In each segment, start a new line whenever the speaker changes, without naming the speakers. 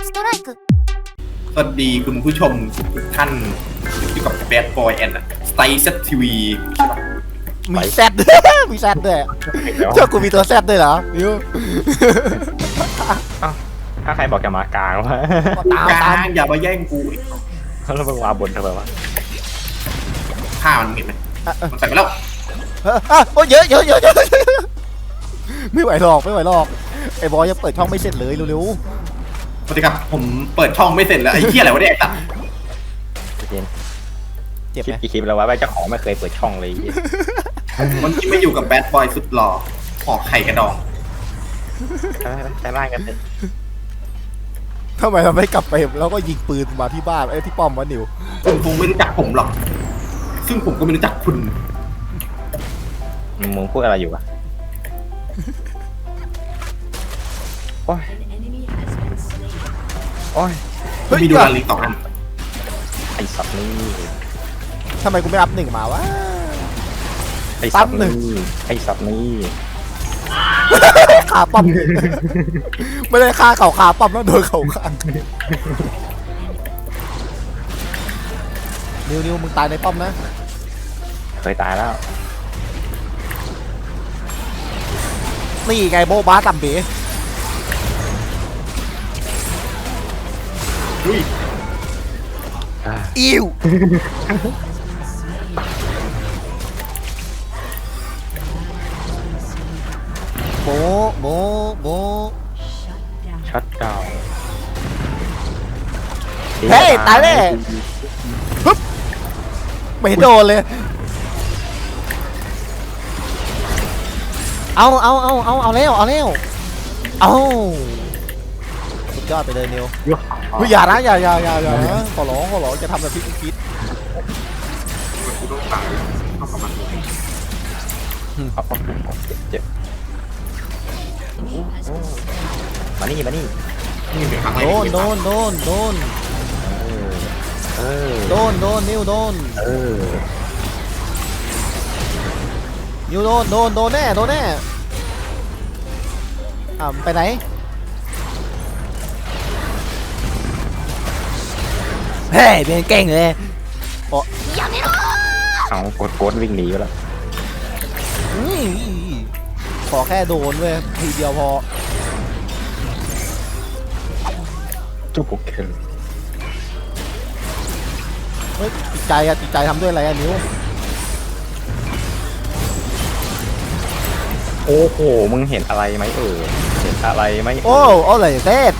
ストライク
สวัสดีคุณผู้ชมทุกท่านอยู่กับ Bad Boy and Style Set TV
มีแซดด้วยมีแซดด้วยเจ้ากูมีตัวแซดด้วยเหรอมิว
ถ้าใครบอกจะมากลางวะ
ตาม
ก
ตา
ลาม งอย่ามาแย่งกู
แล้วมึงมาบนทำไมวะ
ผ้ามันเห็นไหมมันใส่ไปแล้ว
โอ้ยเยอะเยอะเยอะเยอะไม่ไหวหรอกไม่ไหวหรอกไอ้บอยยังเปิดช่องไม่เสร็จเลยเร็ว
สวัสดีครับผมเปิดช่องไม่เสร็จแล้วไอ้เหี้ยอะไรวะเนี่ยตัด
เย็น
ๆเจ็บ
คลิ
ไห
ป
ม
กี่คลิปแล้ววะเจ้าของไม่เคยเปิดช่องเลย
มันที่ไม่อยู่กับ Bad Boy สุดหล่อหอกไข่กระดอง
ใช้ร่างกันเถอะ
ทำไมเราไม่กลับไปแล้วก็ยิงปืนมาที่บ้านไอ้ที่ป้อมวะนิว
คุณคงไม่รู้จักผมหรอกซึ่งผมก็ไม่รู้จักคุณ
มึงพูดอะไรอยู่วะโอ้ยโอ้ย
เฮ้ย
มีดูลาลิง2 อัน
ไอสัตว์นี่
ทำไมกูไม่อัพหนึ่งมาวะ
ไอสัตว์
ปั๊บหนึ่ง
นี่ไอสัตว์นี่
ขาป้อมไม่ได้ฆ่าเขาขาป้อมแล้วโดนเขาข้างนิวมึงตายในป้อมนะ
เคยตายแล้ว
นี่ไงโบบาตัมเบ๋
อุ้ย
อิวโบโบโบ
ช็อตดาวน์
เฮ้ยตายแน่ฮึบไม่โดนเลยเอาแล้วเอาสุดยอดไปเลยนิวเฮ้ยอย่านะอย่านะขอร้องจะทำแบบที่กูคิด
กูต้องตายต้องประมาณนี้
เจ็บมานี่มานี่
นี่เป็นครั้งแรก
โดน
ที่
โดนนิวโดน
เออ
นิวโดนแน่ไปไหนเฮ้ยเป็นเก่งเลย
เอากดวิ่งหนีไปแล้ว
ขอแค่โดนเว้ยทีเดียวพอ
จุกโอเค
เฮ้ยจิตใจทำด้วยอะไรนิว
โอ้โหมึงเห็นอะไรไหมเห็นอะไรไหม
โอ้เลยเทพ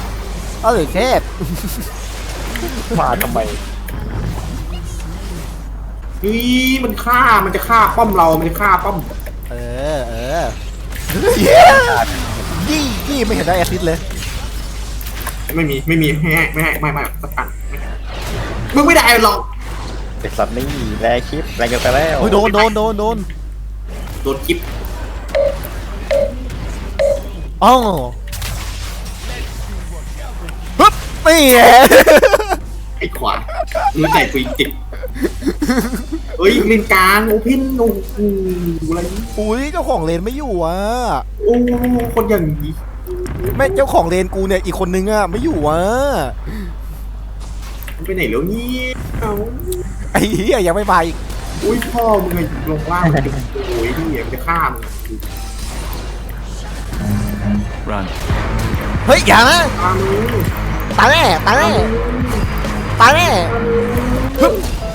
มาทำไม
นี่มันจะฆ่าป้อมเรามันจะฆ่าป้อม
เออยี่ไม่เห็นได้แอสซิสเลย
ไม่มีไม่สักอันมึงไม่ได้หรอก
ไอสัตว์นี่แรงคลิปแรงเกินไปแล้ว
โดน
โดนคลิป
อ๋อปึ๊บนี่ไง
ไอ้ขวานรู้ใจกูจริงเฮ้ยเลนกลางโอเพนโอ้โหอะไรนี่
อุ้ยเจ้าของเลนไม่อยู่อ่ะ
โอ้คนอย่างนี้
แม่เจ้าของเลนกูเนี่ยอีกคนนึงอ่ะไม่อยู่อ่ะ
มันไปไหนแล้วเนี่ยเอา
ไอ้เหี้ยยังไม่มาอีก
อุ้ยพ่อมึงไงลงล่างโอ้ยดิมันจะฆ่ามึง
เฮ้ยอย่านะ
ฆ่ามึง
ตายแน่ฮึบ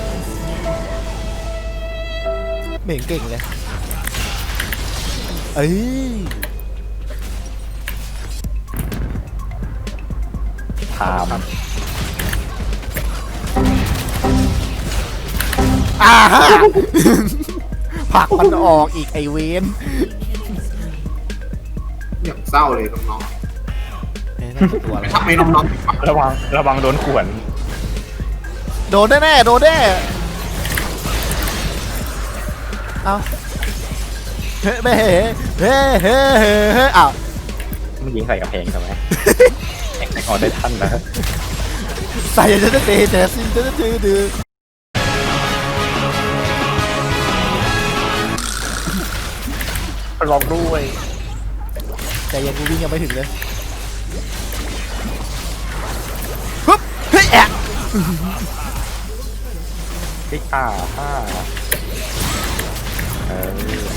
ไม่เห็นเก่งเลยเอ้ย
ถาม
ฮะผลักมันออกอีกไอเวน
อย่างเศร้าเลยน้อง
ตัว
ๆทำไมน้อง
ระวังโดนขวน
โดนแน่เอาเฮ้อ้าว
มันยิงใส่กระเพงทำไมแข่งออกได้ทันนะ
ใส่จะเตะแต่ซินจะดื้อ
ลองด้วย
แต่ยังกูวิ่งยังไม่ถึงเลยเฮ้ยแอะ
ที่ฆ่าเออ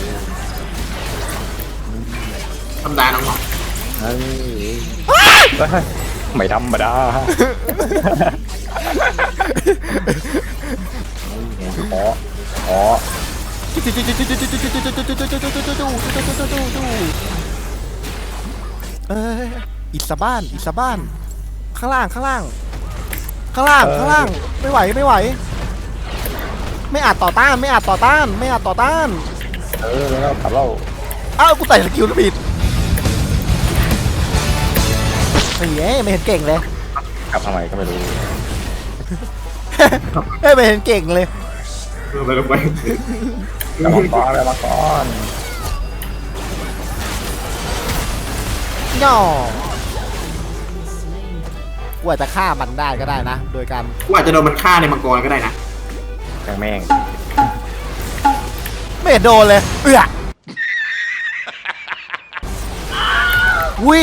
ธรรมดาน้อง
เฮ้ยไม่ธรรมดาขอ
เอ้ยอิสบ้านข้างล่างไม่ไหวไม่อาจต่อต้าน
เออแล้วกลับเรา
อ้าวกูใส่สกิลผิดไอ้เหี้ยไม่เห็นเก่งเลย
กลับทำไมก็ไม่รู้
ไม่เห็นเก่งเลย
ไปลงไป
กลับมาก่อน
ย่อกูอาจจะฆ่ามันได้ก็ได้นะ โดยการ
กูอาจจะโดนมันฆ่าในมังกรก็ได้นะ
แม่ง
ไม่เห็นโดนเลยอุ้ย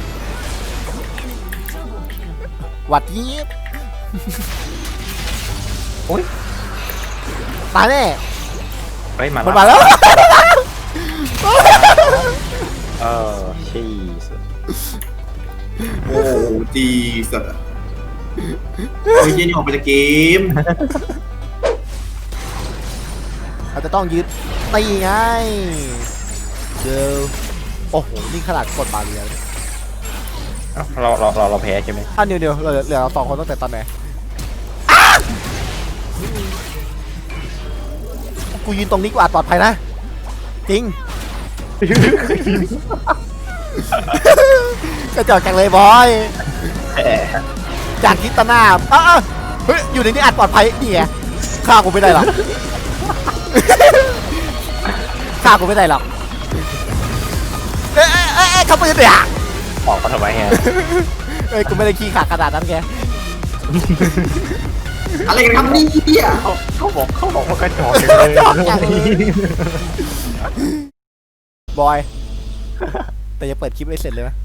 หวัดยีบ
โอ้ย
ตายแน่
เฮ้ย
มันมาแล้ว
เออชีส
โอ้จีสโอ้ยเจนี่ออกไปจากเกม
เราจะต้องยึดตีไงเดี๋ยวโอ้โหนี่ขนาดกดบาเรีย
เราแพ้ใช่ไหม
เดี๋ยวเหลือเรา2 คนตั้งแต่ตอนไหนกูยืนตรงนี้กูอาจปลอดภัยนะจริง กระจอกจังเลยบอยจากคิดตาหน้าเฮ้ยอยู่ในนี้อาจปลอดภัยนี่ไงฆ่ากูไม่ได้หรอกฆ่ากูไม่ได้หรอกเขาปืนเดี๋ยว
ออกมาทำไมฮะ
กูไม่ได้ขี้ขาดขนาดนั้นแก
อะไรกันครับนี่เหี้ย
เขาบอกว่ากระจอก
กระจอกจังเลยบอย แต่ยังเปิดคลิปไม่เสร็จเลยนะ